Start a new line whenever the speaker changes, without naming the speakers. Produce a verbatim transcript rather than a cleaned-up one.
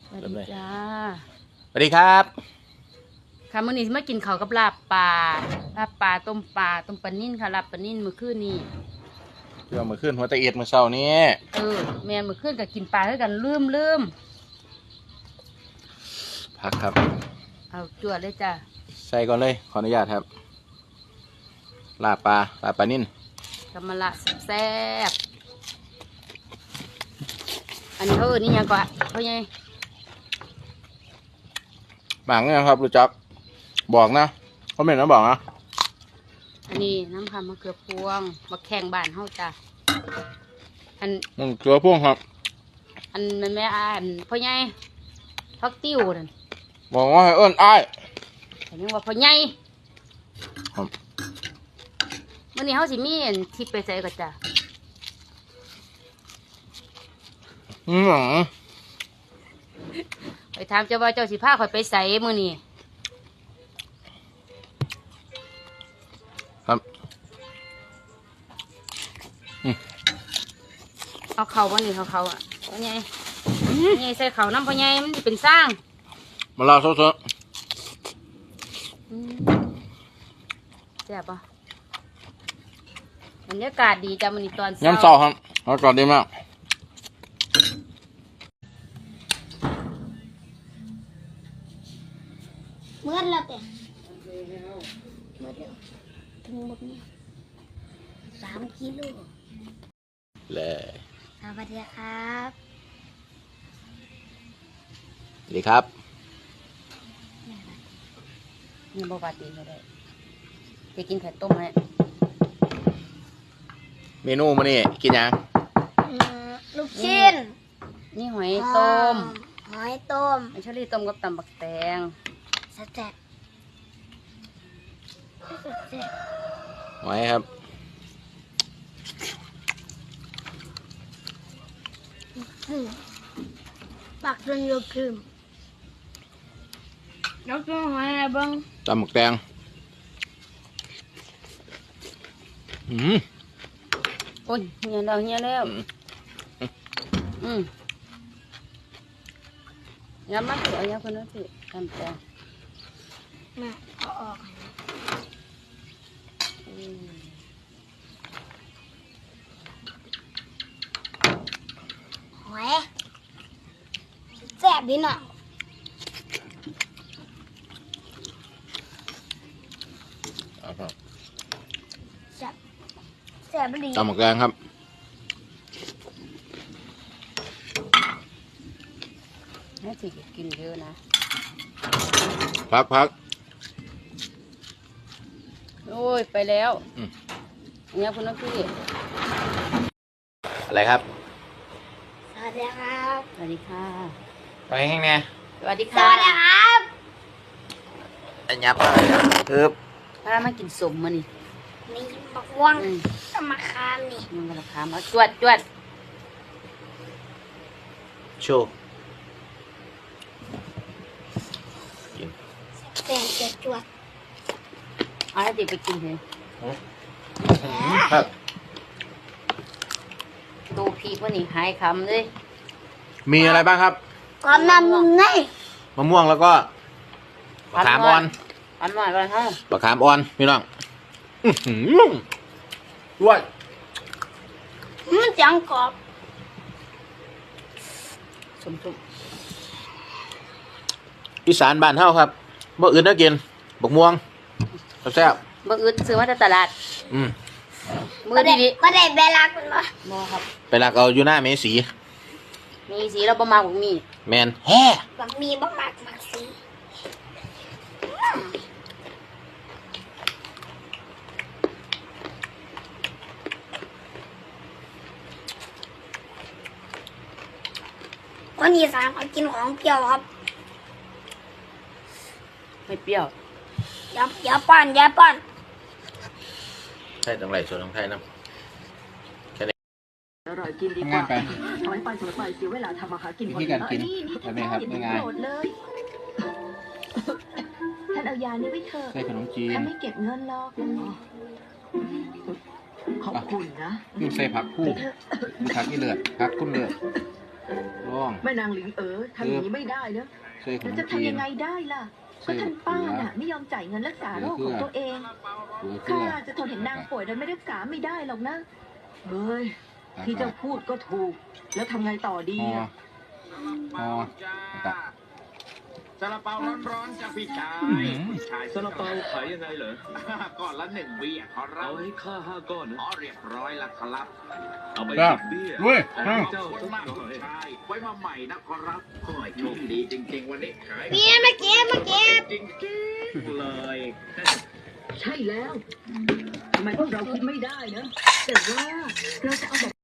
สวัสดีจ้า
สวัสดีครับ
ค่ะมื้อนี้มากินข้าวกับลาบปลาลาบปลาต้มปลาต้มปลานิ่นค่ะลาบปลานิ่นมื้อคืนนี้
เรื่องมือขึ้นหัวตะเอียดมือเช้านี้
เออแม่มื้อคืนก็กินปลาด้วยกันลืมลืม
พักครับ
เอาจวดเลยจ้า
ใส่ก่อนเลยขออนุญาตครับลาบปลาลาบปลานิ่น
กำมะละแซ่บอันนี้เขาเอิ้นนี่ยังก่อนเขาไง
บางเนี่ยครับรู้จักบอกนะเขาไม่นะบอกนะ
อันนี้น้ำคำมะเขือพวงมะแข่งบ้านเฮาจ้าอัน
มันเกลือพ่วงครับ
อันนั้นแม่อ่านพ่อใหญ่พักติ้วนั่น
บอกว่าให้เอิ้นอ้าย
แต่ยังว่าพ่อใหญ่
ครับ
มื้อนี้เฮาสิมีอันทิพย์ไปใส่ก็จ้า
อืม
ไปถามเจ้าว่าเจ้าสิพาข่อยไปใส่มื้อนี้
ครับ
เอาเข่าบ่นี่เขาเขาอ่ะพ่อใหญ่พ่อใหญ่ใส่เข่าน้ำพ่อใหญ่มันสิเป็นสร้าง
มาลาซด
ๆแซ่บป่ะบรรยากาศดีจ้ะมื้อนี้ตอนเช้า
ย้ำเศร้าครับอากาศดีมาก
เมื่อแล้วแต่เมื่อแล้วถึงหมดเนี่ยสามกิโล
เลย
สวัสดีครับ
สวัสดีครับ
นี่บ่ปาตีก็ได้จะกินไข่ต้มไหม
เมนูมื้อนี้กินยัง
ลูกชิ้น
นี่หอยต้ม
หอยต้ม
อันชลีต้มกับตำบักแตง
สแต็ก
ไว้ครับ
ปักจนโยคืม
ยกตัวหอยอะไรบ้าง
ตำหมึกแดงอืม
โอ้ยเงี้ยแล้วเงี้ยแล้วอืมย้ำมาเถอะย้ำคนนั้นสิตำแตง
มาเอาออกหอยแซ่บดีหน่อยแซ่บแซ่บดี
ตำหมึกแดงครับ
แม่สิกินเยอะนะ
พักพัก
โอ้ยไปแล้วเนี่ยคุณน้องพี่
อะไรครับ
สวัสดีครับ
สวัสดีค่ะ
ไปแห้งแน่
สวัสดี
ส
ค่ะ
วัสดีครับ
อันยับคือ
พามากินสมมานี่
นี่มะม่วงมะขามนี่
มันกระขามเอาจวดจวด
โชว์กิน
แซ่บจะจวด
เอาให้เด็กไปกินเถอะ
ครับ
ดูพีกว่านี่หายคำเลย
มีอะไรบ้างครับ
ความน้ำนุ่มใน
มะม่วงแล้วก็มะขามอ่อน
อันหน่อยก่อนเฮ้ย
มะขามอ่อนพี่น้องด้วย
มันจังกรอบ
สมทุก
อีสานบ้านเฮาครับบ่อื่นน่ากินบักม่วงแซ่บ
เมื่ออื่นซื้อมาจากตลาด
อืม
มือดีดี
ก็ได้เวลาคุณบ่
บ่ครับ
ไปลักเอาอยู่หน้าเมสี
มีสีเราประมาณผมมี
แมนแฮ่
บักมีบักมากบักสีคนอีสานเขากินของเปรี้ยวครับ
ไม่เปรี้ยว
อย่าอย่าปั้นอย่าปั้น
ใช่ตรงไหนส่วนของไทยนะ
อร่อยกินดีกว่าถอยไปถอยไปเสียเวลาทำอาหารกินคนเดียวนี่นี่ท่านพ่ออย่าโกรธเลยท่านเอายานี้ไว้เถอะ
ใส่ขนมจีน
ท่านไม่เก็บเงินหรอกขอบคุณนะ
ยุ่งใส่ผักคู่ผักที่เลือดผักคุ้นเลือดลอง
แม่นางหลิงเอ๋อทำอย่างนี้ไม่ได้นะ
ใส่ขน
แล้ว
ม
จะ
จี
ทำ
น
ยังไงได้ล่ะก็ท่านป้าน่ะไม่ยอมจ่ายเงินรักษาโรคของตัวเอง
เกลือเกลื
ข้า
อ
จะทนเห็นนางป่วยโดยไม่รักษาไม่ได้หรอกนะเฮ้ยที่เจ้าพูดก็ถูก แล้วทำไงต่อดี
ห่อ
อ่ะ
ห่อตัก
ซาลาเปาร้อนๆจากพี่ชาย
อื้อหือ
พี่ชาย
ซาลาเปาขายยังไงเหรอ
ก้อนละหนึ่งเบี้ยขอรั
เอา
บ
ให้ข้าห้าก้อนนะ
อ๋อเรียบร้อยแล้วครับ
เอาไป
ครับ
สิบเบี้ย
เว้ย
เอา
อ้าว
ให้
ข
เจ้า
อบคุณ
สัก
มาก
หน่
คุ
อ
ณ
ย
ชายไว้มาใหม่นะขอรับโอ้ยโชคดีจริงๆวันนี้ขาย
เก็บมาเก็บมาเก็บ
จริงๆเลย
ใช่แล้วทำไมพวกเราคิดไม่ได้นะแต่ว่าเราจะเอาแบบ